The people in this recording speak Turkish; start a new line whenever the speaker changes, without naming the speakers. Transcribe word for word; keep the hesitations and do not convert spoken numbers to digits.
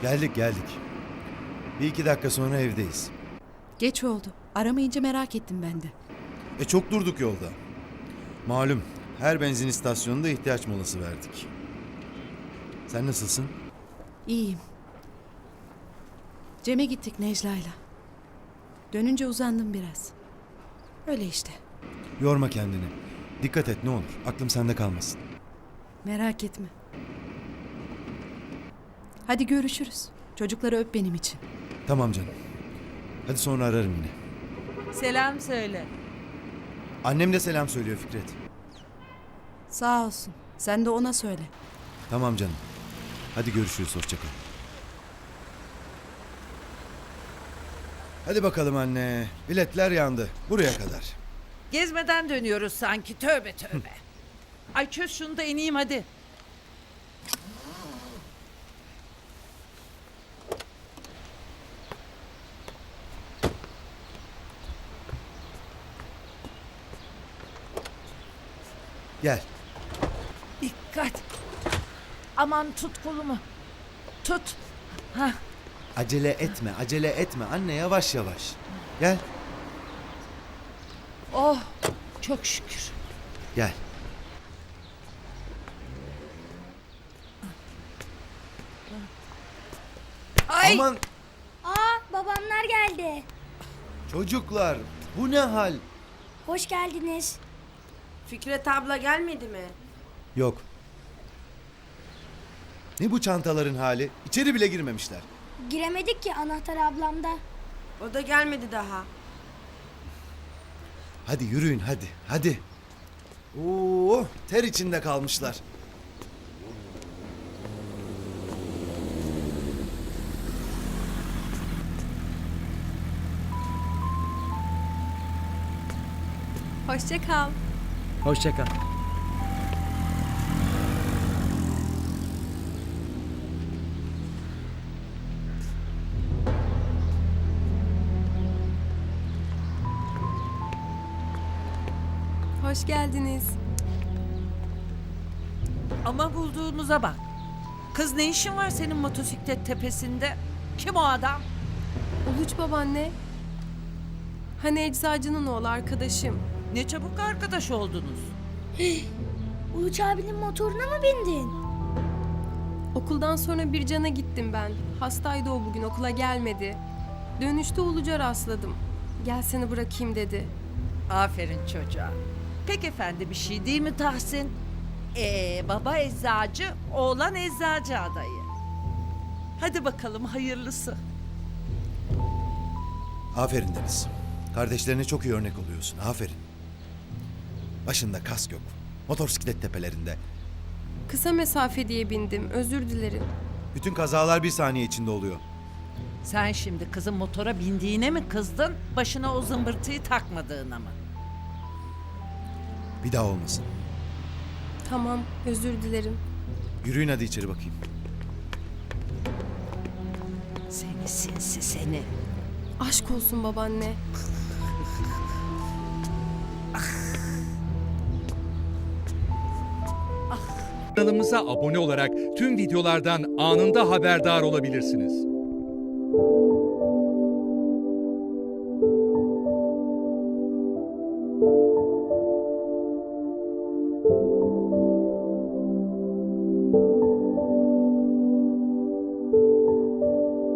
Geldik geldik. Bir iki dakika sonra evdeyiz.
Geç oldu. Aramayınca merak ettim ben de.
E çok durduk yolda. Malum her benzin istasyonunda ihtiyaç molası verdik. Sen nasılsın?
İyiyim. Cem'e gittik Necla'yla. Dönünce uzandım biraz. Öyle işte.
Yorma kendini. Dikkat et ne olur. Aklım sende kalmasın.
Merak etme. Hadi görüşürüz. Çocukları öp benim için.
Tamam canım. Hadi sonra ararım yine.
Selam söyle.
Annem de selam söylüyor Fikret.
Sağ olsun. Sen de ona söyle.
Tamam canım. Hadi görüşürüz. Hoşça kal. Hadi bakalım anne. Biletler yandı. Buraya kadar.
Gezmeden dönüyoruz sanki. Tövbe tövbe. Ay çöz şunu da ineyim hadi.
Gel.
Dikkat. Aman tut kolumu. Tut. Hah.
Acele etme. Acele etme. Anne yavaş yavaş. Gel.
Oh çok şükür.
Gel.
Ay.
Aman
Aa, babamlar geldi.
çocuklar. Bu ne hal?
Hoş geldiniz.
Fikret abla gelmedi mi?
Yok. Ne bu çantaların hali? İçeri bile girmemişler.
Giremedik ki, anahtar ablamda.
O da gelmedi daha.
Hadi yürüyün hadi. Hadi. Oo, ter içinde kalmışlar.
Hoşça kal.
Hoşça kal.
Hoş geldiniz.
Ama bulduğumuza bak. Kız ne işin var senin motosiklet tepesinde? Kim o adam?
Uluç babaanne. Hani eczacının oğlu arkadaşım.
Ne çabuk arkadaş oldunuz.
Uluç abinin motoruna mı bindin?
Okuldan sonra bir cana gittim ben. Hastaydı o bugün, okula gelmedi. Dönüşte Uluç'a rastladım. Gel seni bırakayım dedi.
Aferin çocuğa. Pek efendi bir şey değil mi Tahsin? Ee, baba eczacı, oğlan eczacı adayı. Hadi bakalım hayırlısı.
Aferin Deniz. Kardeşlerine çok iyi örnek oluyorsun. Aferin. Başında kask yok. Motosiklet tepelerinde.
Kısa mesafe diye bindim, özür dilerim.
Bütün kazalar bir saniye içinde oluyor.
Sen şimdi kızın motora bindiğine mi kızdın, başına o zımbırtıyı takmadığına mı?
Bir daha olmasın.
Tamam, özür dilerim.
Yürüyün hadi içeri bakayım.
Seni sinsi seni.
Aşk olsun babaanne.
Kanalımıza abone olarak tüm videolardan anında haberdar olabilirsiniz.